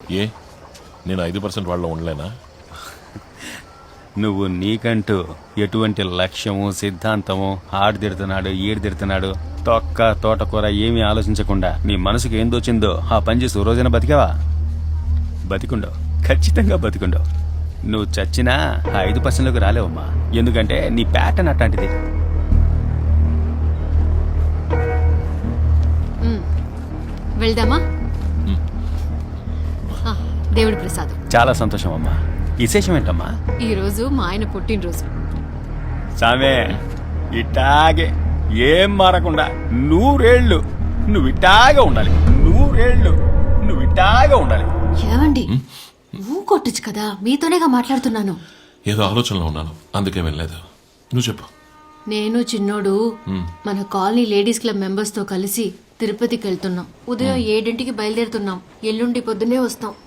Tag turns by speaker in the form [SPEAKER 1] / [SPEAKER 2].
[SPEAKER 1] ఏ నేను 5% వాళ్ళలో ఉండలేనా?
[SPEAKER 2] నువ్వు నీకంటూ ఎటువంటి లక్ష్యము సిద్ధాంతము ఆడు తిడుతున్నాడు ఈడు తిడుతున్నాడు తొక్క తోటకూర ఏమీ ఆలోచించకుండా నీ మనసుకు ఏం దోచిందో ఆ పని చేసి ఓ రోజైనా బతికావా? బతికుండవు, ఖచ్చితంగా బతికుండవు. నువ్వు చచ్చినా ఆ 5%లోకి రాలేవమ్మా. ఎందుకంటే నీ ప్యాటర్న్ అట్లాంటిది.
[SPEAKER 3] వెళ్దామా? దేవుడి ప్రసాదం.
[SPEAKER 2] చాలా సంతోషం అమ్మా. విశేషం ఏంటమ్మా?
[SPEAKER 3] ఈ రోజు మా ఆయన పుట్టినరోజు.
[SPEAKER 2] సామే ఇట్టాగే ఏం మారకుండా 100 ఏళ్ళు నువ్వు ఇట్టాగే ఉండాలి. 100 ఏళ్ళు నువ్వు ఇట్టాగే ఉండాలి.
[SPEAKER 3] ఏమండి నువ్వు కొట్టచ్చు కదా, మీతోనేగా మాట్లాడుతున్నాను.
[SPEAKER 1] ఏదో ఆలోచనలో ఉన్నాను, అందుకే వెళ్ళలేదు. నువ్వు చెప్పు.
[SPEAKER 3] నేను చిన్నోడు మన కాలనీ లేడీస్ క్లబ్ మెంబర్స్ తో కలిసి తిరుపతికి వెళ్తున్నాం. ఉదయం 7 బయలుదేరుతున్నాం. ఎల్లుండి పొద్దునే వస్తాం.